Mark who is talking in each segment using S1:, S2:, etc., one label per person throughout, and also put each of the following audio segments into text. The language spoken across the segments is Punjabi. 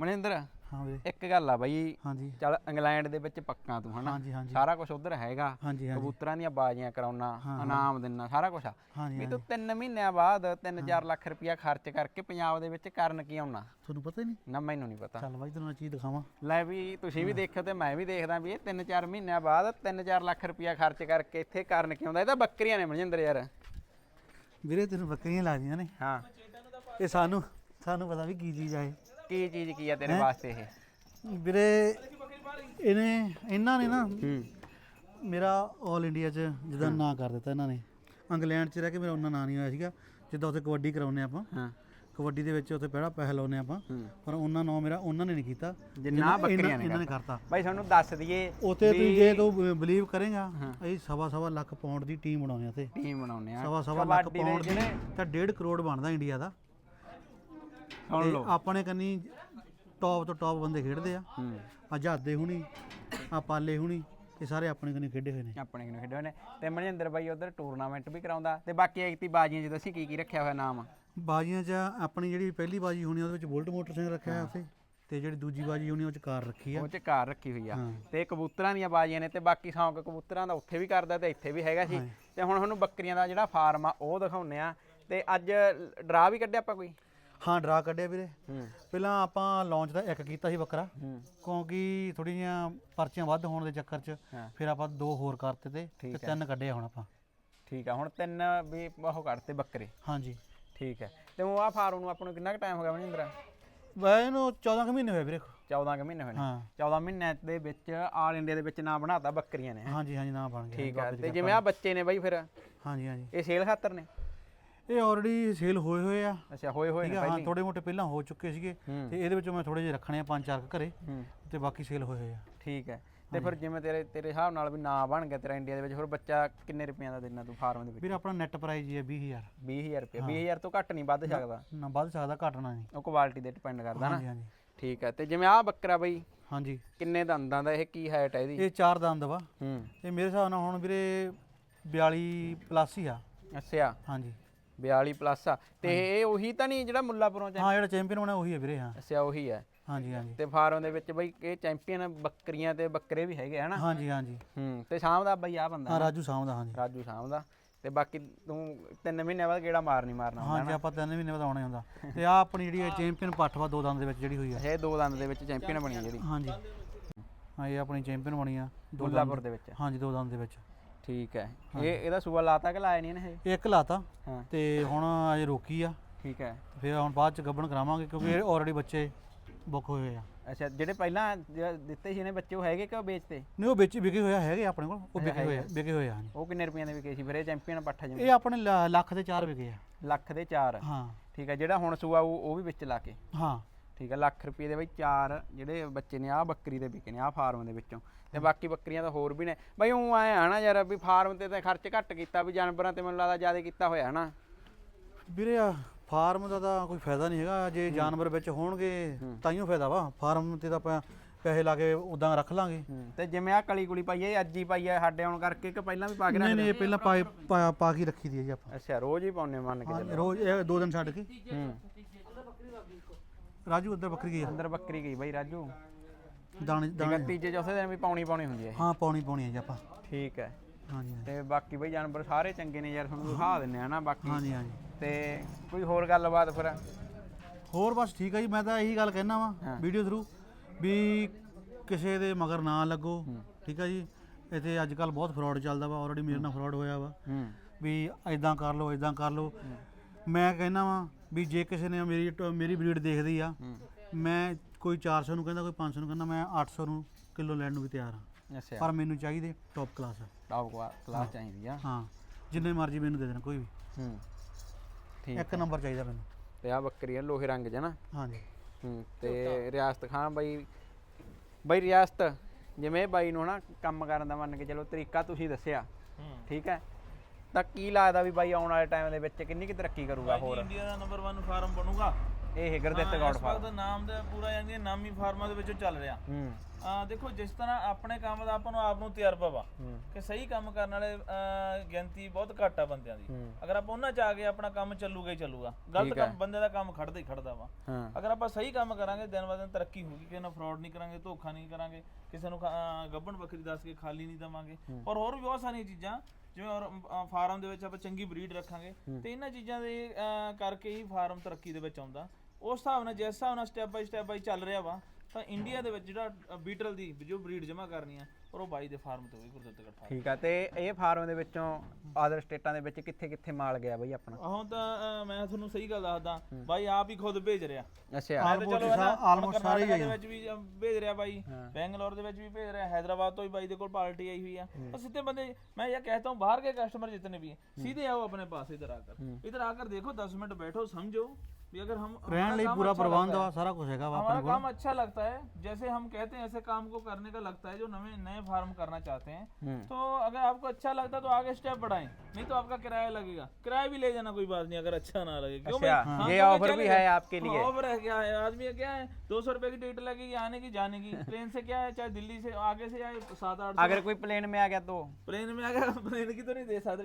S1: ਮਨਿੰਦਰ
S2: ਹਾਂ ਵੀਰੇ
S1: ਇੱਕ ਗੱਲ ਆ ਬਾਈ
S2: ਹਾਂਜੀ
S1: ਚੱਲ ਇੰਗਲੈਂਡ ਦੇ ਵਿੱਚ ਪੱਕਾ ਤੂੰ ਹਨਾ
S2: ਹਾਂਜੀ ਹਾਂਜੀ
S1: ਸਾਰਾ ਕੁਝ ਉਧਰ ਹੈਗਾ
S2: ਹਾਂਜੀ ਹਾਂਜੀ
S1: ਕਬੂਤਰਾਂ ਦੀਆਂ ਬਾਜ਼ੀਆਂ ਕਰਾਉਣਾ ਇਨਾਮ ਦਿੰਨਾ ਸਾਰਾ ਕੁਝ ਆ
S2: ਹਾਂਜੀ
S1: ਵੀ ਤੂੰ 3 ਮਹੀਨਿਆਂ ਬਾਅਦ 3-4 ਲੱਖ ਰੁਪਇਆ ਖਰਚ ਕਰਕੇ ਪੰਜਾਬ ਦੇ ਵਿੱਚ ਕਰਨ ਕੀ ਆਉਣਾ
S2: ਤੁਹਾਨੂੰ ਪਤਾ ਹੀ ਨਹੀਂ
S1: ਨਾ ਮੈਨੂੰ ਨਹੀਂ ਪਤਾ
S2: ਚੱਲ ਬਾਈ ਤੈਨੂੰ ਮੈਂ ਚੀਜ਼ ਦਿਖਾਵਾਂ
S1: ਲੈ ਵੀ ਤੁਸੀਂ ਵੀ ਦੇਖਿਓ ਤੇ ਮੈਂ ਵੀ ਦੇਖਦਾ ਵੀ ਇਹ 3-4 ਮਹੀਨਿਆਂ ਬਾਅਦ 3-4 ਲੱਖ ਰੁਪਇਆ ਖਰਚ ਕਰਕੇ ਇੱਥੇ ਕਰਨ ਕੀ ਆਉਂਦਾ ਇਹ ਤਾਂ ਬੱਕਰੀਆਂ ਨੇ ਮਨਜਿੰਦਰ ਯਾਰ
S2: ਵੀਰੇ ਤੈਨੂੰ ਬੱਕਰੀਆਂ ਲੱਗਦੀਆਂ ਨੇ
S1: ਹਾਂ
S2: ਇਹ ਸਾਨੂੰ ਪਤਾ ਵੀ ਕੀ ਚੀਜ਼ ਆ ਇਹ
S1: ਕੀ ਚੀਜ਼ ਕੀ ਆ ਤੇਰੇ ਵਾਸਤੇ ਇਹ
S2: ਵੀਰੇ ਇਹਨਾਂ ਨੇ ਨਾ ਮੇਰਾ ਆਲ ਇੰਡੀਆ 'ਚ ਜਿੱਦਾਂ ਨਾਂ ਕਰ ਦਿੱਤਾ ਇਹਨਾਂ ਨੇ ਇੰਗਲੈਂਡ 'ਚ ਰਹਿ ਕੇ ਮੇਰਾ ਉਹਨਾਂ ਨਾਂ ਨਹੀਂ ਹੋਇਆ ਸੀਗਾ ਜਿੱਦਾਂ ਉੱਥੇ ਕਬੱਡੀ ਕਰਾਉਂਦੇ ਆਪਾਂ
S1: ਹਾਂ
S2: ਕਬੱਡੀ ਦੇ ਵਿੱਚ ਉੱਥੇ ਪਹਿਲਾਂ ਪੈਸੇ ਲਾਉਂਦੇ ਆਪਾਂ ਪਰ ਉਹਨਾਂ ਨਾਂ ਮੇਰਾ ਉਹਨਾਂ ਨੇ ਨਹੀਂ ਕੀਤਾ
S1: ਜਿੰਨਾ ਬੱਕਰੀਆਂ ਨੇ
S2: ਇਹਨਾਂ ਨੇ ਕਰਤਾ
S1: ਬਾਈ ਸਾਨੂੰ ਦੱਸ ਦਈਏ
S2: ਉੱਥੇ ਤੂੰ ਜੇ ਤੂੰ ਬਿਲੀਵ ਕਰੇਗਾ ਅਸੀਂ ਸਵਾ ਲੱਖ ਪਾਉਂਡ ਦੀ ਟੀਮ ਬਣਾਉਂਦੇ ਆ ਤੇ
S1: ਟੀਮ ਬਣਾਉਂਦੇ ਆ
S2: ਸਵਾ ਲੱਖ ਪਾਉਂਡ ਦੀ ਤਾਂ 1.5 ਕਰੋੜ ਬਣਦਾ ਇੰਡੀਆ ਦਾ
S1: ਸੁਣ ਲਓ
S2: ਆਪਣੇ ਕੰਨੀ ਟੌਪ ਤੋਂ ਟੌਪ ਬੰਦੇ ਖੇਡਦੇ ਆ ਆਜ਼ਾਦੇ ਹੁਣੀ ਆ ਪਾਲੇ ਹੁਣੀ ਇਹ ਸਾਰੇ ਆਪਣੇ ਕੰਨੀ ਖੇਡੇ ਹੋਏ ਨੇ
S1: ਆਪਣੇ ਕਿਨੂੰ ਖੇਡੇ ਹੋਏ ਨੇ ਤੇ ਮਨਜਿੰਦਰ ਬਾਈ ਉਧਰ ਟੂਰਨਾਮੈਂਟ ਵੀ ਕਰਾਉਂਦਾ ਤੇ ਬਾਕੀ ਐਕਤੀ ਬਾਜ਼ੀਆਂ ਚ ਦੱਸੀ ਕੀ ਰੱਖਿਆ ਹੋਇਆ ਨਾਮ
S2: ਬਾਜ਼ੀਆਂ 'ਚ ਆਪਣੀ ਜਿਹੜੀ ਪਹਿਲੀ ਬਾਜ਼ੀ ਹੋਣੀ ਉਹਦੇ ਵਿੱਚ ਬੁਲਟ ਮੋਟਰਸਾਈਕਲ ਰੱਖਿਆ ਹੋਇਆ ਉੱਥੇ ਤੇ ਜਿਹੜੀ ਦੂਜੀ ਬਾਜ਼ੀ ਹੋਣੀ ਉਹ 'ਚ ਕਾਰ ਰੱਖੀ ਆ
S1: ਉਹ ਚ ਕਾਰ ਰੱਖੀ ਹੋਈ ਆ ਤੇ ਕਬੂਤਰਾਂ ਦੀਆਂ ਬਾਜ਼ੀਆਂ ਨੇ ਤੇ ਬਾਕੀ ਸ਼ੌਂਕ ਕਬੂਤਰਾਂ ਦਾ ਉੱਥੇ ਵੀ ਕਰਦਾ ਤੇ ਇੱਥੇ ਵੀ ਹੈਗਾ ਸੀ ਤੇ ਹੁਣ ਤੁਹਾਨੂੰ ਬੱਕਰੀਆਂ ਦਾ ਜਿਹੜਾ ਫਾਰਮ ਆ ਉਹ ਦਿਖਾਉਂਦੇ ਆ ਤੇ ਅੱਜ ਡਰਾ ਵੀ ਕੱਢਿਆ ਆਪਾਂ ਕੋਈ
S2: ਹਾਂ ਡਰਾ ਕੱਢਿਆ ਵੀਰੇ ਪਹਿਲਾਂ ਆਪਾਂ ਲਾਂਚ ਦਾ ਇੱਕ ਕੀਤਾ ਸੀ ਬੱਕਰਾ ਕਿਉਂਕਿ ਥੋੜੀ ਜਿਹੀਆਂ ਪਰਚੀਆਂ ਵੱਧ ਹੋਣ ਦੇ ਚੱਕਰ 'ਚ ਫਿਰ ਆਪਾਂ 2 ਹੋਰ ਕਰਤੇ ਤੇ 3 ਕੱਢੇ ਹੁਣ ਆਪਾਂ
S1: ਠੀਕ ਆ ਹੁਣ 3 ਵੀ ਉਹ ਕੱਢਤੇ ਬੱਕਰੇ
S2: ਹਾਂਜੀ
S1: ਠੀਕ ਹੈ ਤੇ ਉਹ ਆ ਫਾਰਮ ਨੂੰ ਆਪਾਂ ਨੂੰ ਕਿੰਨਾ ਕੁ ਟਾਈਮ ਹੋ ਗਿਆ ਮਨਿੰਦਰ
S2: ਵੈਸੇ ਇਹਨੂੰ 14 ਕੁ ਮਹੀਨੇ ਹੋਏ ਵੀਰੇ
S1: 14 ਕੁ ਮਹੀਨੇ ਹੋਏ ਨੇ
S2: ਹਾਂ
S1: 14 ਮਹੀਨਿਆਂ ਦੇ ਵਿੱਚ ਆਲ ਇੰਡੀਆ ਦੇ ਵਿੱਚ ਨਾਂ ਬਣਾਤਾ ਬੱਕਰੀਆਂ ਨੇ
S2: ਹਾਂਜੀ ਹਾਂਜੀ ਨਾ ਬਣ ਗਿਆ
S1: ਠੀਕ ਹੈ ਤੇ ਜਿਵੇਂ ਆ ਬੱਚੇ ਨੇ ਬਾਈ ਫਿਰ
S2: ਹਾਂਜੀ ਹਾਂਜੀ
S1: ਇਹ ਸੇਲ ਖਾਤਰ ਨੇ
S2: ਇਹ ਆਲਰੇਡੀ ਸੇਲ ਹੋਏ ਆ
S1: ਅੱਛਾ ਹੋਏ ਨੇ
S2: ਹਾਂ ਥੋੜੇ ਮੋਟੇ ਪਹਿਲਾਂ ਹੋ ਚੁੱਕੇ ਸੀਗੇ ਤੇ ਇਹਦੇ ਵਿੱਚੋਂ ਮੈਂ ਥੋੜੇ ਜਿਹੇ ਰੱਖਣੇ ਆ 5-4 ਘਰੇ ਤੇ ਬਾਕੀ ਸੇਲ ਹੋਏ ਆ
S1: ਠੀਕ ਹੈ ਤੇ ਫਿਰ ਜਿਵੇਂ ਤੇਰੇ ਹਿਸਾਬ ਨਾਲ ਵੀ ਨਾਂ ਬਣ ਗਿਆ ਤੇਰਾ ਇੰਡੀਆ ਦੇ ਵਿੱਚ ਫਿਰ ਬੱਚਾ ਕਿੰਨੇ ਰੁਪਈਆਂ ਦਾ ਦੇਣਾ ਤੂੰ ਫਾਰਮ ਦੇ ਵਿੱਚ
S2: ਵੀਰ ਆਪਣਾ ਨੈਟ ਪ੍ਰਾਈਸ ਹੀ ਹੈ 20000
S1: 20000 ਰੁਪਏ 20000 ਤੋਂ ਘੱਟ ਨਹੀਂ ਵੱਧ ਸਕਦਾ
S2: ਨਾ ਵੱਧ ਸਕਦਾ ਘਟਣਾ ਨਹੀਂ
S1: ਉਹ ਕੁਆਲਿਟੀ ਤੇ ਡਿਪੈਂਡ ਕਰਦਾ ਨਾ
S2: ਹਾਂਜੀ ਹਾਂਜੀ
S1: ਠੀਕ ਹੈ ਤੇ ਜਿਵੇਂ ਆ ਬੱਕਰਾ ਬਈ
S2: ਹਾਂਜੀ
S1: ਕਿੰਨੇ ਦੰਦਾਂ ਦਾ ਇਹ ਕੀ ਹਾਈਟ ਹੈ ਇਹਦੀ
S2: ਇਹ 4 ਦੰਦ ਵਾ ਇਹ ਮੇਰੇ ਹਿਸਾਬ ਨਾਲ ਹੁਣ ਵੀਰੇ 42 ਪਲੱਸ ਹੀ ਆ
S1: ਅੱਛਾ
S2: ਹਾਂਜੀ
S1: 42 ਪਲੱਸ ਆ ਤੇ ਇਹ ਉਹੀ ਤਾਂ ਨਹੀਂ ਜਿਹੜਾ ਮੁੱਲਾਪੁਰੋਂ ਚ
S2: ਹਾਂ ਜਿਹੜਾ ਚੈਂਪੀਅਨ ਬਣਿਆ ਉਹੀ ਹੈ ਵੀਰੇ ਹਾਂ
S1: ਅੱਛਾ ਉਹੀ ਹੈ
S2: ਹਾਂਜੀ ਹਾਂਜੀ
S1: ਤੇ ਫਾਰਮ ਦੇ ਵਿੱਚ ਬਈ ਇਹ ਚੈਂਪੀਅਨ ਬੱਕਰੀਆਂ ਤੇ ਬੱਕਰੇ ਵੀ ਹੈਗੇ ਹਨਾ
S2: ਹਾਂਜੀ ਹਾਂਜੀ
S1: ਤੇ ਸ਼ਾਮ ਦਾ ਬਈ ਆ ਬੰਦਾ
S2: ਹਾਂ ਰਾਜੂ ਸਾਹਮ ਦਾ ਹਾਂਜੀ
S1: ਰਾਜੂ ਸ਼ਾਮ ਦਾ ਤੇ ਬਾਕੀ ਤੂੰ 3 ਮਹੀਨਿਆਂ ਬਾਅਦ ਕਿਹੜਾ ਮਾਰਨਾ
S2: ਹਾਂਜੀ ਆਪਾਂ 3 ਮਹੀਨੇ ਬਾਅਦ ਆਉਣਾ ਹੁੰਦਾ ਤੇ ਆ ਆਪਣੀ ਜਿਹੜੀ ਚੈਂਪੀਅਨ ਪੱਠਵਾ 2 ਦੰਦ ਦੇ ਵਿੱਚ ਜਿਹੜੀ ਹੋਈ ਆ
S1: ਇਹ 2 ਦੰਦ ਦੇ ਵਿੱਚ ਚੈਂਪੀਅਨ ਬਣੀ ਆ ਜਿਹੜੀ
S2: ਹਾਂਜੀ ਹਾਂ ਇਹ ਆਪਣੀ ਚੈਂਪੀਅਨ ਬਣੀ ਆ
S1: ਮੁੱਲਾਪੁਰ ਦੇ ਵਿੱਚ
S2: ਹਾਂਜੀ 2 ਦੰਦ ਦੇ ਵਿੱਚ
S1: ਠੀਕ ਹੈ ਇਹਦਾ ਸੂਆ ਲਾਤਾ ਕਿ ਲਾਇਆ ਨਹੀਂ ਇਹਨੇ
S2: ਇੱਕ ਲਾਤਾ
S1: ਹਾਂ
S2: ਤੇ ਹੁਣ ਅਜੇ ਰੋਕੀ ਆ
S1: ਠੀਕ ਹੈ
S2: ਫਿਰ ਹੁਣ ਬਾਅਦ ਚ ਗੱਭਣ ਕਰਾਵਾਂਗੇ ਕਿਉਂਕਿ ਇਹ ਆਲਰੇਡੀ ਬੱਚੇ ਬੁੱਕ ਹੋਏ ਹੋਏ ਆ
S1: ਅੱਛਾ ਜਿਹੜੇ ਪਹਿਲਾਂ ਦਿੱਤੇ ਸੀ ਇਹਨੇ ਬੱਚੇ ਉਹ ਹੈਗੇ ਕਿ ਉਹ ਵੇਚਤੇ
S2: ਨਹੀਂ ਉਹ ਵਿੱਚ ਵਿਕੇ ਹੋਇਆ ਹੈਗੇ ਆਪਣੇ ਕੋਲ ਉਹ ਵਿਕੇ ਹੋਏ ਆ ਹਾਂਜੀ
S1: ਉਹ ਕਿੰਨੇ ਰੁਪਈਆਂ ਦੇ ਵਿਕੇ ਸੀ ਫਿਰ ਇਹ ਚੈਂਪੀਅਨ ਪੱਠਾ ਜਿਵੇਂ
S2: ਇਹ ਆਪਣੇ ਲੱਖ ਦੇ 4 ਵਿਕੇ ਆ
S1: ਲੱਖ ਦੇ 4
S2: ਹਾਂ
S1: ਠੀਕ ਹੈ ਜਿਹੜਾ ਹੁਣ ਸੂਆ ਉਹ ਵੀ ਵਿੱਚ ਲਾ ਕੇ
S2: ਹਾਂ
S1: ਠੀਕ ਹੈ ਲੱਖ ਰੁਪਏ ਦੇ ਬਈ 4 ਜਿਹੜੇ ਬੱਚੇ ਨੇ ਆ ਬੱਕਰੀ ਦੇ ਵਿਕੇ ਨੇ ਆ ਫਾਰਮ ਦੇ ਵਿੱਚੋਂ ਤੇ ਬਾਕੀ ਬੱਕਰੀਆਂ ਤਾਂ ਹੋਰ ਵੀ ਨੇ ਬਈ ਉਹ ਐ ਆ ਨਾ ਯਾਰ ਵੀ ਫਾਰਮ ਤੇ ਤਾਂ ਖਰਚ ਘੱਟ ਕੀਤਾ ਵੀ ਜਾਨਵਰਾਂ ਤੇ ਮੈਨੂੰ ਲੱਗਦਾ ਜ਼ਿਆਦਾ ਕੀਤਾ ਹੋਇਆ ਨਾ
S2: ਵੀਰੇ ਫਾਰਮ ਦਾ ਤਾਂ ਕੋਈ ਫਾਇਦਾ ਨਹੀਂ ਹੈਗਾ ਜੇ ਜਾਨਵਰ ਵਿੱਚ ਹੋਣਗੇ ਤਾਈਓ ਫਾਇਦਾ ਵਾ ਫਾਰਮ ਤੇ ਤਾਂ ਆਪਾਂ ਪੈਸੇ ਲਾ ਕੇ ਉਦਾਂ ਰੱਖ ਲਾਂਗੇ
S1: ਤੇ ਜਿਵੇਂ ਆ ਕਲੀ ਕੁਲੀ ਪਾਈ ਹੈ ਅੱਜ ਹੀ ਪਾਈ ਹੈ ਸਾਡੇ ਆਉਣ ਕਰਕੇ ਕਿ ਪਹਿਲਾਂ ਵੀ ਪਾ ਕੇ
S2: ਨਹੀਂ ਨਹੀਂ ਇਹ ਪਹਿਲਾਂ ਪਾ ਕੇ ਰੱਖੀ ਦੀ ਹੈ ਜੀ ਆਪਾਂ
S1: ਅੱਛਾ ਰੋਜ਼ ਹੀ ਪਾਉਨੇ ਮੰਨ ਕੇ ਚੱਲੋ
S2: ਰੋਜ਼ ਇਹ 2 ਦਿਨ ਛੱਡ ਕੇ ਰਾਜੂ ਉੱਧਰ ਬੱਕਰੀ ਗਈ
S1: ਅੰਦਰ ਬੱਕਰੀ ਗਈ ਬਾਈ ਰਾਜੂ
S2: ਦਾਣੇ
S1: ਤੀਜੇ ਚੌਥੇ ਦਿਨ ਵੀ ਪਾਉਣੀ ਹੁੰਦੀ ਹੈ
S2: ਹਾਂ ਪਾਉਣੀ ਹੈ ਜੀ ਆਪਾਂ
S1: ਠੀਕ ਹੈ
S2: ਹਾਂਜੀ
S1: ਤੇ ਬਾਕੀ ਬਈ ਜਾਨਵਰ ਸਾਰੇ ਚੰਗੇ ਨੇ ਯਾਰ ਤੁਹਾਨੂੰ ਦਿਖਾ ਦਿੰਨੇ ਆ ਨਾ ਬਾਕੀ
S2: ਹਾਂਜੀ ਹਾਂਜੀ
S1: ਤੇ ਕੋਈ ਹੋਰ ਗੱਲਬਾਤ ਫਿਰ
S2: ਹੋਰ ਬਸ ਠੀਕ ਹੈ ਜੀ ਮੈਂ ਤਾਂ ਇਹੀ ਗੱਲ ਕਹਿਣਾ ਵਾ ਵੀਡੀਓ ਥਰੂ ਵੀ ਕਿਸੇ ਦੇ ਮਗਰ ਨਾ ਲੱਗੋ ਠੀਕ ਹੈ ਜੀ ਇੱਥੇ ਅੱਜ ਕੱਲ ਬਹੁਤ ਫਰਾਡ ਚੱਲਦਾ ਵਾ ਆਲਰੇਡੀ ਮੇਰੇ ਨਾਲ ਫਰਾਡ ਹੋਇਆ ਵਾ ਵੀ ਇਦਾਂ ਕਰ ਲਓ ਮੈਂ ਕਹਿਣਾ ਵਾ ਵੀ ਜੇ ਕਿਸੇ ਨੇ ਮੇਰੀ ਬਰੀਡ ਦੇਖਦੀ ਆ ਮੈਂ ਕੋਈ 400 ਨੂੰ ਕਹਿੰਦਾ ਕੋਈ 500 ਨੂੰ ਕਹਿੰਦਾ ਮੈਂ 800 ਨੂੰ ਕਿਲੋ ਲੈਣ ਨੂੰ ਵੀ ਤਿਆਰ ਹਾਂ
S1: ਅੱਛਾ
S2: ਪਰ ਮੈਨੂੰ ਚਾਹੀਦੇ ਟੌਪ ਕਲਾਸ
S1: ਕਲਾਸ ਚਾਹੀਦੀ ਆ
S2: ਹਾਂ ਜਿੰਨੇ ਮਰਜ਼ੀ ਮੈਨੂੰ ਦੇ ਦੇਣ ਕੋਈ ਵੀ
S1: ਠੀਕ
S2: ਇੱਕ ਨੰਬਰ ਚਾਹੀਦਾ ਮੈਨੂੰ
S1: ਤੇ ਆ ਬੱਕਰੀ ਆ ਲੋਹੇ ਰੰਗ 'ਚ ਨਾ
S2: ਹਾਂਜੀ
S1: ਤੇ ਰਿਆਸਤ ਖਾਨ ਬਾਈ ਰਿਆਸਤ ਜਿਵੇਂ ਬਾਈ ਨੂੰ ਨਾ ਕੰਮ ਕਰਨ ਦਾ ਮੰਨ ਕੇ ਚਲੋ ਤਰੀਕਾ ਤੁਸੀਂ ਦੱਸਿਆ ਠੀਕ ਹੈ ਤਾਂ ਕੀ ਲੱਗਦਾ ਵੀ ਬਾਈ ਆਉਣ ਵਾਲੇ ਟਾਈਮ ਦੇ ਵਿੱਚ ਕਿੰਨੀ ਕੁ ਤਰੱਕੀ ਕਰੂਗਾ ਹੋਰ
S3: ਇੰਡੀਆ ਦਾ ਨੰਬਰ 1 ਫਾਰਮ ਬਣੂਗਾ
S1: ਇਹ ਗੁਰਦਿੱਤ ਗੌਡ
S3: ਇਸ ਵਕਤ ਨਾਮ ਦਾ ਪੂਰਾ ਜਾਂਦੀ ਨਾਮੀ ਫਾਰਮਾਂ ਦੇ ਵਿੱਚੋਂ ਚੱਲ ਰਿਹਾ। ਦੇਖੋ ਜਿਸ ਤਰ੍ਹਾਂ ਆਪਣੇ ਕੰਮ ਦਾ ਆਪਾਂ ਨੂੰ ਆਪ ਨੂੰ ਤਜਰਬਾ ਵਾ ਕਿ ਸਹੀ ਕੰਮ ਕਰਨ ਵਾਲੇ ਗਿਣਤੀ ਬਹੁਤ ਘੱਟ ਆ ਬੰਦਿਆਂ ਦੀ। ਅਗਰ ਆਪਾਂ ਉਹਨਾਂ ਚ ਆ ਗਏ ਆਪਣਾ ਕੰਮ ਚੱਲੂਗਾ ਹੀ ਚੱਲੂਗਾ, ਗਲਤ ਕੰਮ ਬੰਦੇ ਦਾ ਕੰਮ ਖੜਦਾ ਹੀ ਖੜਦਾ ਵਾ। ਅਗਰ ਆਪਾਂ ਸਹੀ ਕੰਮ ਕਰਾਂਗੇ ਦਿਨ ਬ ਦਿਨ ਤਰੱਕੀ ਹੋਊਗੀ, ਕਿਸੇ ਨਾਲ ਫਰਾਡ ਨਹੀਂ ਕਰਾਂਗੇ, ਧੋਖਾ ਨਹੀਂ ਕਰਾਂਗੇ, ਕਿਸੇ ਨੂੰ ਗੱਭਣ ਬੱਕਰੀ ਦੱਸ ਕੇ ਖਾਲੀ ਨਹੀਂ ਦੇਵਾਂਗੇ, ਔਰ ਹੋਰ ਵੀ ਬਹੁਤ ਸਾਰੀਆਂ ਚੀਜ਼ਾਂ ਜਿਵੇਂ ਔਰ ਫਾਰਮ ਦੇ ਵਿੱਚ ਆਪਾਂ ਚੰਗੀ ਬਰੀਡ ਰੱਖਾਂਗੇ ਤੇ ਇਹਨਾਂ ਚੀਜ਼ਾਂ ਦੇ ਕਰਕੇ ਹੀ ਫਾਰਮ ਤਰੱਕੀ ਦੇ ਵਿੱਚ ਆਉਂਦਾ। ਉਸ ਹਿਸਾਬ ਨਾਲ ਜਿਸ ਹਿਸਾਬ ਨਾਲ ਸਟੈਪ ਬਾਈ ਚੱਲ ਰਿਹਾ ਵਾ ਤਾਂ ਇੰਡੀਆ ਦੇ ਵਿੱਚ ਜਿਹੜਾ ਬੀਟਲ ਦੀ ਜੋ ਬਰੀਡ ਜਮ੍ਹਾਂ ਕਰਨੀ ਆ ਔਰ ਉਹ ਬਾਈ ਦੇ ਫਾਰਮ ਤੋਂ ਹੋਈ ਗੁਰਦਿੱਤਗੜ੍ਹ ਫਾਰਮ।
S1: ਠੀਕ ਆ। ਤੇ ਇਹ ਫਾਰਮ ਦੇ ਵਿੱਚੋਂ ਆਦਰ ਸਟੇਟਾਂ ਦੇ ਵਿੱਚ ਕਿੱਥੇ ਕਿੱਥੇ ਮਾਲ ਗਿਆ ਬਈ ਆਪਣਾ?
S3: ਹੁਣ ਤਾਂ ਮੈਂ ਤੁਹਾਨੂੰ ਸਹੀ ਗੱਲ ਦੱਸਦਾ ਬਾਈ ਆਪ ਹੀ ਖੁਦ ਭੇਜ ਰਿਹਾ।
S1: ਅੱਛਾ
S2: ਆਲਮੋਸਟ ਸਾਰੇ
S3: ਦੇ ਵਿੱਚ ਵੀ ਭੇਜ ਰਿਹਾ ਬਾਈ, ਬੈਂਗਲੌਰ ਦੇ ਵਿੱਚ ਵੀ ਭੇਜ ਰਿਹਾ, हैदराबाद ਤੋਂ ਵੀ ਬਾਈ ਦੇ ਕੋਲ ਪਾर्टी आई हुई है। और सीधे बंदे मैं ये कहता हूँ बाहर के कस्टमर जितने भी हैं सीधे आओ अपने पास, इधर आकर देखो 10 मिनट बैठो समझो भी अगर हम
S2: रहने लिए पूरा प्रबंध सारा कुछ है,
S3: हमारा काम अच्छा लगता है जैसे हम कहते हैं ऐसे काम को करने का लगता है जो नए फार्म करना चाहते हैं। तो अगर आपको अच्छा लगता है तो आगे स्टेप बढ़ाएं, नहीं तो आपका किराया लगेगा, किराया भी ले जाना कोई बात नहीं अगर अच्छा ना लगे। क्यों
S1: ये ऑफर भी है आपके लिए?
S3: ऑफर है क्या है, आदमी क्या है 200 रुपए की टिकट लगेगी आने की जाने की। प्लेन से क्या है, चाहे दिल्ली से आगे से आए 7-8,
S1: अगर कोई प्लेन में आ गया तो
S3: प्लेन में आ गया प्लेन की तो नहीं दे सकते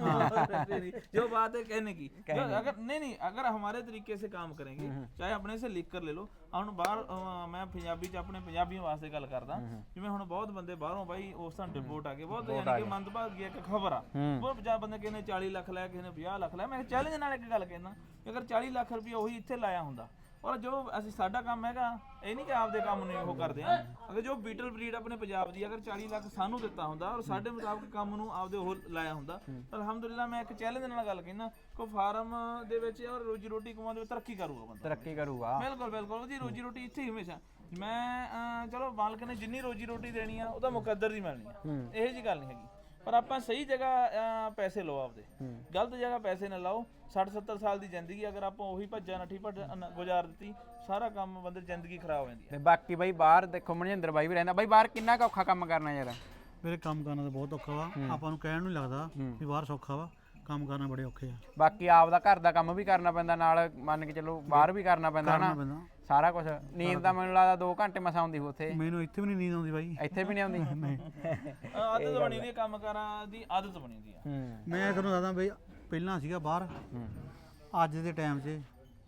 S3: टिकट। जो बात है कहने की, अगर नहीं अगर हमारे तरीके से काम करेंगे ਚਾਹੇ ਆਪਣੇ ਸੇ ਲਿਖ ਕਰ ਲੈ ਲਓ। ਹੁਣ ਬਾਹਰ ਮੈਂ ਪੰਜਾਬੀ ਚ ਆਪਣੇ ਪੰਜਾਬੀਆਂ ਵਾਸਤੇ ਗੱਲ ਕਰਦਾ, ਜਿਵੇਂ ਹੁਣ ਬਹੁਤ ਬੰਦੇ ਬਾਹਰੋਂ ਬਾਈ ਉਸ ਤਰ੍ਹਾਂ ਡਿਪੋਰਟ ਆ ਗਏ, ਬਹੁਤ ਯਾਨੀ ਕਿ ਮੰਦਭਾਗੀ ਇੱਕ ਖਬਰ ਆ, ਬਹੁਤ ਜ਼ਿਆਦਾ ਬੰਦੇ ਕਿਸੇ ਨੇ 40 ਲੱਖ ਲਿਆ, ਕਿਸੇ ਨੇ 50 ਲੱਖ ਲਿਆ। ਮੈਂ ਚੈਲੰਜ ਨਾਲ ਇੱਕ ਗੱਲ ਕਹਿਣਾ, ਅਗਰ 40 ਲੱਖ ਰੁਪਏ ਉਹੀ ਇੱਥੇ ਲਾਇਆ ਹੁੰਦਾ ਔਰ ਜੋ ਅਸੀਂ ਸਾਡਾ ਕੰਮ ਹੈਗਾ ਇਹ ਨਹੀਂ ਕਿ ਆਪਦੇ ਕੰਮ ਨੂੰ ਉਹ ਕਰਦੇ ਆ, ਅਗਰ ਜੋ ਬੀਟਲ ਬਰੀਡ ਆਪਣੇ ਪੰਜਾਬ ਦੀ ਅਗਰ 40 ਲੱਖ ਸਾਨੂੰ ਦਿੱਤਾ ਹੁੰਦਾ ਔਰ ਸਾਡੇ ਮੁਤਾਬਕ ਕੰਮ ਨੂੰ ਆਪਦੇ ਉਹ ਲਾਇਆ ਹੁੰਦਾ ਤਾਂ ਅਲਹਮਦੁਲਿਲਾ ਮੈਂ ਇੱਕ ਚੈਲੰਜ ਨਾਲ ਗੱਲ ਕਹਿਣਾ ਕੋ ਫਾਰਮ ਦੇ ਵਿੱਚ ਔਰ ਰੋਜੀ ਰੋਟੀ ਕਮਾਉਣ ਦੇ ਵਿੱਚ ਤਰੱਕੀ ਕਰੂਗਾ ਬੰਦਾ,
S1: ਤਰੱਕੀ ਕਰੂਗਾ।
S3: ਬਿਲਕੁਲ ਉਹਦੀ ਰੋਜੀ ਰੋਟੀ ਇੱਥੇ ਹੀ ਹਮੇਸ਼ਾ। ਮੈਂ ਚਲੋ ਮਾਲਕ ਨੇ ਜਿੰਨੀ ਰੋਜੀ ਰੋਟੀ ਦੇਣੀ ਆ ਉਹਦਾ ਮੁਕੱਦਰ ਦੀ ਮਿਲਣੀ ਆ, ਇਹੋ ਜੀ ਗੱਲ ਨਹੀਂ ਹੈਗੀ। ਪਰ ਆਪਾਂ ਸਹੀ ਜਗ੍ਹਾ ਪੈਸੇ ਲਓ ਆਪਦੇ, ਗਲਤ ਜਗ੍ਹਾ ਪੈਸੇ ਨਾ ਲਾਓ। 60-70 ਸਾਲ ਦੀ ਜ਼ਿੰਦਗੀ ਅਗਰ ਆਪਾਂ ਉਹੀ ਭੱਜਾ ਨੱਠੀ ਗੁਜ਼ਾਰ ਦਿੱਤੀ ਸਾਰਾ ਕੰਮ ਬੰਦੇ ਦੀ ਜ਼ਿੰਦਗੀ ਖਰਾਬ ਹੋ ਜਾਂਦੀ ਹੈ।
S1: ਤੇ ਬਾਕੀ ਬਾਈ ਬਾਹਰ ਦੇਖੋ ਮਨਜਿੰਦਰ ਬਾਈ ਵੀ ਰਹਿੰਦਾ, ਬਾਈ ਬਾਹਰ ਕਿੰਨਾ ਔਖਾ ਕੰਮ ਕਰਨਾ ਯਾਰ?
S2: ਮੇਰੇ ਕੰਮ ਕਰਨਾ ਤਾਂ ਬਹੁਤ ਔਖਾ ਵਾ, ਆਪਾਂ ਨੂੰ ਕਹਿਣ ਨੂੰ ਲੱਗਦਾ ਵੀ ਬਾਹਰ ਸੌਖਾ ਵਾ, ਕੰਮ ਕਰਨਾ ਬੜੇ ਔਖੇ ਆ।
S1: ਬਾਕੀ ਆਪਦਾ ਘਰ ਦਾ ਕੰਮ ਵੀ ਕਰਨਾ ਪੈਂਦਾ ਨਾਲ, ਮੰਨ ਕੇ ਚਲੋ ਬਾਹਰ ਵੀ ਕਰਨਾ ਪੈਂਦਾ ਨਾ ਸਾਰਾ ਕੁਝ। ਨੀਂਦ ਤਾਂ ਮੈਨੂੰ ਲੱਗਦਾ 2 ਘੰਟੇ ਮਸਾਂ ਆਉਂਦੀ ਉੱਥੇ,
S2: ਮੈਨੂੰ ਇੱਥੇ ਵੀ ਨਹੀਂ ਨੀਂਦ ਆਉਂਦੀ ਬਾਈ,
S1: ਇੱਥੇ ਵੀ ਨਹੀਂ ਆਉਂਦੀ।
S3: ਆਦਤ ਬਣੀ ਦੀ ਕੰਮ ਕਰਾਂ ਦੀ, ਆਦਤ ਬਣੀ ਦੀ ਆ।
S2: ਮੈਂ ਤੁਹਾਨੂੰ ਦੱਸਦਾ ਬਈ ਪਹਿਲਾਂ ਸੀਗਾ ਬਾਹਰ, ਅੱਜ ਦੇ ਟਾਈਮ 'ਚ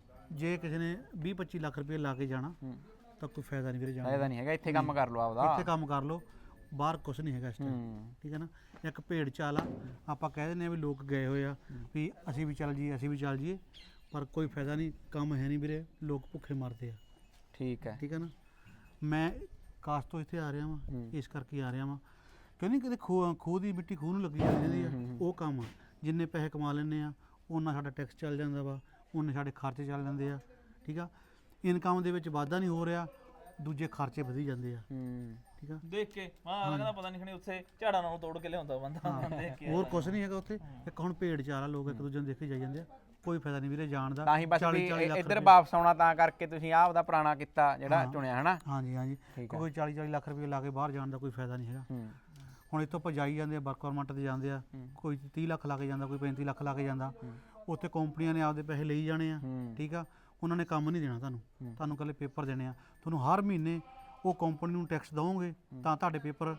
S2: ਜੇ ਕਿਸੇ ਨੇ 20-25 ਲੱਖ ਰੁਪਏ ਲਾ ਕੇ ਜਾਣਾ ਤਾਂ ਕੋਈ ਫਾਇਦਾ ਨਹੀਂ ਵੀਰੇ ਜਾਣਾ,
S1: ਫਾਇਦਾ ਨਹੀਂ ਹੈਗਾ। ਇੱਥੇ ਕੰਮ ਕਰ ਲਓ ਆਪਦਾ,
S2: ਇੱਥੇ ਕੰਮ ਕਰ ਲਓ, ਬਾਹਰ ਕੁਝ ਨਹੀਂ ਹੈਗਾ ਇਸ ਟਾਈਮ, ਠੀਕ ਹੈ ਨਾ। ਇੱਕ ਭੇਡ ਚਾਲ ਆ, ਆਪਾਂ ਕਹਿ ਦਿੰਦੇ ਆ ਵੀ ਲੋਕ ਗਏ ਹੋਏ ਆ ਵੀ ਅਸੀਂ ਵੀ ਚੱਲ ਜਾਈਏ ਅਸੀਂ ਵੀ ਚੱਲ ਜਾਈਏ, ਪਰ ਕੋਈ ਫਾਇਦਾ ਨਹੀਂ, ਕੰਮ ਹੈ ਨਹੀਂ ਵੀਰੇ, ਲੋਕ ਭੁੱਖੇ ਮਰਦੇ ਆ।
S1: ਠੀਕ ਹੈ,
S2: ਠੀਕ ਹੈ ਨਾ। ਮੈਂ ਕਾਸ਼ ਤੋਂ ਇੱਥੇ ਆ ਰਿਹਾ ਵਾਂ ਇਸ ਕਰਕੇ ਆ ਰਿਹਾ ਵਾਂ ਕਿਉਂਕਿ ਕਿਤੇ ਖੂਹ ਦੀ ਮਿੱਟੀ ਖੂਹ ਨੂੰ ਲੱਗੀ ਜਾਂਦੀ ਆ, ਉਹ ਕੰਮ ਜਿੰਨੇ ਪੈਸੇ ਕਮਾ ਲੈਂਦੇ ਆ ਉਹਨਾਂ ਸਾਡਾ ਟੈਕਸ ਚੱਲ ਜਾਂਦਾ ਵਾ, ਉਹਨੇ ਸਾਡੇ ਖਰਚੇ ਚੱਲ ਜਾਂਦੇ ਆ, ਠੀਕ ਆ। ਇਨਕਮ ਦੇ ਵਿੱਚ ਵਾਧਾ ਨਹੀਂ ਹੋ ਰਿਹਾ, ਦੂਜੇ ਖਰਚੇ ਵਧੀ ਜਾਂਦੇ ਆ, ਠੀਕ ਆ।
S3: ਦੇਖ ਕੇ ਕਹਿੰਦਾ ਪਤਾ ਨਹੀਂ ਖਣੀ ਉੱਥੇ ਝਾੜਾਂ ਨਾਲੋਂ ਤੋੜ ਕੇ ਲਿਆਉਂਦਾ ਬੰਦਾ, ਦੇਖ ਕੇ
S2: ਹੋਰ ਕੁਝ ਨਹੀਂ ਹੈਗਾ ਉੱਥੇ। ਇੱਕ ਹੁਣ ਭੇਡ ਚਾਲ ਆ, ਲੋਕ ਇੱਕ ਦੂਜੇ ਨੂੰ ਦੇਖ ਕੇ ਜਾਈ ਜਾਂਦੇ ਆ, ਕੋਈ ਫਾਇਦਾ ਨਹੀਂ ਵੀਰੇ ਜਾਣ ਦਾ।
S1: ਤਾਂ ਹੀ ਬਸ ਵੀ ਇੱਧਰ ਵਾਪਸ ਆਉਣਾ ਤਾਂ ਕਰਕੇ ਤੁਸੀਂ ਆਹ ਉਹਦਾ ਪੁਰਾਣਾ ਕੀਤਾ ਜਿਹੜਾ ਚੁਣਿਆ ਹਨਾ।
S2: ਹਾਂਜੀ ਕੋਈ 40 ਲੱਖ ਰੁਪਏ ਲਾ ਕੇ ਬਾਹਰ ਜਾਣ ਦਾ ਕੋਈ ਫਾਇਦਾ ਨਹੀਂ ਹੈਗਾ। ਹੁਣ ਇੱਥੋਂ ਆਪਾਂ ਜਾਈ ਜਾਂਦੇ ਆ, ਵਰਕ ਪਰਮਿਟ ਤੇ ਜਾਂਦੇ ਆ, ਕੋਈ 30 ਲੱਖ ਲਾ ਕੇ ਜਾਂਦਾ, ਕੋਈ 35 ਲੱਖ ਲਾ ਕੇ ਜਾਂਦਾ, ਉੱਥੇ ਕੰਪਨੀਆਂ ਨੇ ਆਪਦੇ ਪੈਸੇ ਲਈ ਜਾਣੇ ਆ, ਠੀਕ ਆ। ਉਹਨਾਂ ਨੇ ਕੰਮ ਨਹੀਂ ਦੇਣਾ ਤੁਹਾਨੂੰ ਇਕੱਲੇ ਪੇਪਰ ਦੇਣੇ ਆ। ਤੁਹਾਨੂੰ ਹਰ ਮਹੀਨੇ ਉਹ ਕੰਪਨੀ ਨੂੰ ਟੈਕਸ ਦਵੋਗੇ ਤਾਂ ਤੁਹਾਡੇ ਪੇਪਰ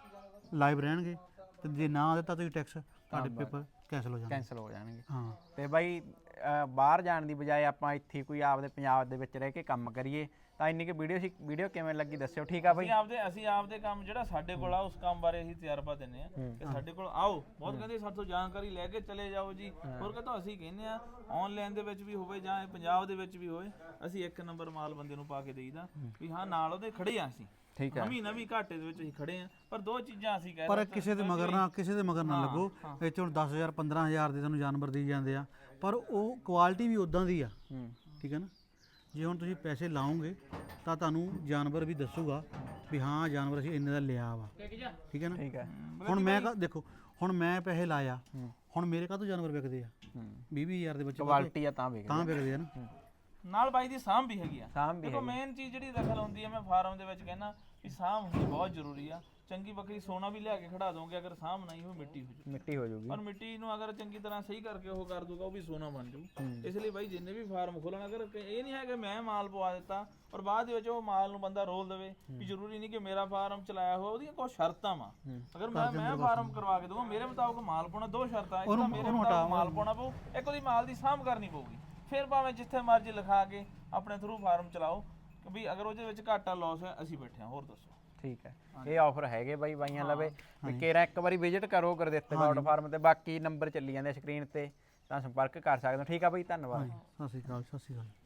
S2: ਲਾਈਵ ਰਹਿਣਗੇ, ਤੇ ਜੇ ਨਾ ਦਿੱਤਾ ਤੁਸੀਂ ਟੈਕਸ ਤੁਹਾਡੇ ਪੇਪਰ ਕੈਂਸਲ ਹੋ ਜਾਣਗੇ। ਹਾਂ
S1: ਤੇ ਬਾਈ ਬਾਹਰ ਜਾਣ ਦੀ ਬਜਾਏ ਆਪਾਂ ਇੱਥੇ ਕੋਈ ਆਪਦੇ ਪੰਜਾਬ ਦੇ ਵਿੱਚ ਰਹਿ ਕੇ ਕੰਮ ਕਰੀਏ ਤਾਂ ਇੰਨੀ ਕਿ ਵੀਡੀਓ ਕਿਵੇਂ ਲੱਗੀ ਦੱਸਿਓ, ਠੀਕ ਆ ਬਾਈ।
S3: ਅਸੀਂ ਆਪਦੇ ਕੰਮ ਜਿਹੜਾ ਸਾਡੇ ਕੋਲ ਆ ਉਸ ਕੰਮ ਬਾਰੇ ਅਸੀਂ ਤਜਰਬਾ ਦਿੰਦੇ ਆ ਕਿ ਸਾਡੇ ਕੋਲ ਆਓ, ਬਹੁਤ ਕਹਿੰਦੇ ਸਾਡੇ ਤੋਂ ਜਾਣਕਾਰੀ ਲੈ ਕੇ ਚਲੇ ਜਾਓ ਜੀ। ਹੋਰ ਕਹਿੰਦਾ ਅਸੀਂ ਕਹਿੰਦੇ ਆ ਆਨਲਾਈਨ ਦੇ ਵਿੱਚ ਵੀ ਹੋਵੇ ਜਾਂ ਪੰਜਾਬ ਦੇ ਵਿੱਚ ਵੀ ਹੋਵੇ, ਅਸੀਂ 1 ਨੰਬਰ ਮਾਲ ਬੰਦੇ ਨੂੰ ਪਾ ਕੇ ਦੇਈਦਾ ਵੀ ਹਾਂ ਨਾਲ ਉਹਦੇ ਖੜੇ ਆ ਅਸੀਂ, ਠੀਕ ਹੈ। ਨਵੀਂ ਘਾਟੇ ਦੇ ਵਿੱਚ ਅਸੀਂ ਖੜੇ ਆ, ਪਰ 2 ਚੀਜ਼ਾਂ ਅਸੀਂ ਕਹਿ
S2: ਪਰ ਕਿਸੇ ਦੇ ਮਗਰ ਨਾ ਲੱਗੋ। ਇੱਥੇ ਹੁਣ 10,000 15,000 ਦੇ ਤੁਹਾਨੂੰ ਜਾਨਵਰ ਦੇਈ ਜਾਂਦੇ ਆ, ਪਰ ਉਹ ਕੁਆਲਿਟੀ ਵੀ ਉਦਾਂ ਦੀ ਆ, ਠੀਕ ਹੈ ਨਾ। ਜੇ ਹੁਣ ਤੁਸੀਂ ਪੈਸੇ ਲਾਓਗੇ ਤਾਂ ਤੁਹਾਨੂੰ ਜਾਨਵਰ ਵੀ ਦੱਸੂਗਾ ਵੀ ਹਾਂ ਜਾਨਵਰ ਅਸੀਂ ਇੰਨੇ ਦਾ ਲਿਆ ਵਾ, ਠੀਕ ਹੈ ਨਾ। ਹੁਣ ਮੈਂ ਦੇਖੋ, ਹੁਣ ਮੈਂ ਪੈਸੇ ਲਾਇਆ, ਹੁਣ ਮੇਰੇ ਕਾਹਤੋਂ ਜਾਨਵਰ ਵਿਕਦੇ ਆ 20,000 ਦੇ ਵਿੱਚ,
S1: ਕੁਆਲਿਟੀ ਆ ਤਾਂ ਵਿਕਦੇ
S2: ਆ ਨਾ।
S3: ਨਾਲ ਬਾਈ ਦੀ ਸਾਂਭ ਵੀ ਹੈਗੀ ਆ। ਦੇਖੋ ਮੇਨ ਚੀਜ਼ ਜਿਹੜੀ ਦਖਲ ਹੁੰਦੀ ਹੈ, ਮੈਂ ਫਾਰਮ ਦੇ ਵਿੱਚ ਕਹਿੰਦਾ ਵੀ ਸਾਂਭ ਹੁੰਦੀ ਬਹੁਤ ਜ਼ਰੂਰੀ ਆ। ਚੰਗੀ ਬੱਕਰੀ ਸੋਨਾ ਵੀ ਲਿਆ ਕੇ ਖੜਾ ਦੋਗੇ, ਅਗਰ ਸਾਂਭ ਨਹੀਂ ਉਹ ਮਿੱਟੀ ਹੋ ਜੂ,
S1: ਮਿੱਟੀ ਹੋ ਜਾਊਗੀ।
S3: ਪਰ ਮਿੱਟੀ ਨੂੰ ਅਗਰ ਚੰਗੀ ਤਰ੍ਹਾਂ ਸਹੀ ਕਰਕੇ ਉਹ ਕਰ ਦੂਗਾ ਉਹ ਵੀ ਸੋਨਾ ਬਣ ਜੂ। ਇਸ ਲਈ ਬਾਈ ਜਿੰਨੇ ਵੀ ਫਾਰਮ ਖੋਲਣ, ਅਗਰ ਇਹ ਨਹੀਂ ਹੈ ਕਿ ਮੈਂ ਮਾਲ ਪਵਾ ਦਿੱਤਾ ਔਰ ਬਾਅਦ ਦੇ ਵਿੱਚ ਉਹ ਮਾਲ ਨੂੰ ਬੰਦਾ ਰੋਲ ਦੇਵੇ, ਵੀ ਜ਼ਰੂਰੀ ਨਹੀਂ ਕਿ ਮੇਰਾ ਫਾਰਮ ਚਲਾਇਆ ਹੋਇਆ, ਉਹਦੀਆਂ ਕੁਝ ਸ਼ਰਤਾਂ ਵਾ। ਅਗਰ ਮੈਂ ਫਾਰਮ ਕਰਵਾ ਕੇ ਦਊਗਾ, ਮੇਰੇ ਮੁਤਾਬਕ ਮਾਲ ਪਾਉਣਾ, 2 ਸ਼ਰਤਾਂ, ਇੱਕ ਤਾਂ ਮੇਰੇ ਮੁਤਾਬਕ ਮਾਲ ਪਾਉਣਾ ਪਊ, ਇੱਕ ਉਹਦੀ ਮਾਲ ਦੀ ਸਾਂਭ ਕਰਨੀ ਪਊਗੀ। ਫਿਰ ਭਾਵੇਂ ਜਿੱਥੇ ਮਰਜ਼ੀ ਲਿਖਾ ਕੇ ਆਪਣੇ ਥਰੂ ਫਾਰਮ ਚਲਾਓ, ਕਿ ਵੀ ਅਗਰ ਉਹਦੇ ਵਿੱਚ ਘਾਟਾ ਲਾਸ ਹੈ ਅਸੀਂ ਬੈਠੇ ਹਾਂ। ਹੋਰ ਦੱਸੋ।
S1: ਠੀਕ ਹੈ, ਇਹ ਆਫਰ ਹੈਗੇ ਬਾਈ ਬਾਈਆਂ ਲਵੇ, ਵੀ ਕੇਰਾ ਇੱਕ ਵਾਰੀ ਵਿਜ਼ਿਟ ਕਰੋ ਗੁਰਦਿੱਤ ਗੌਡ ਫਾਰਮ ਤੇ, ਬਾਕੀ ਨੰਬਰ ਚੱਲੀ ਜਾਂਦੇ ਸਕਰੀਨ ਤੇ, ਤਾਂ ਸੰਪਰਕ ਕਰ ਸਕਦੇ ਹੋ। ਠੀਕ ਆ ਬਾਈ, ਧੰਨਵਾਦ।
S2: ਸਤਿ ਸ਼੍ਰੀ ਅਕਾਲ, ਸਤਿ ਸ਼੍ਰੀ ਅਕਾਲ।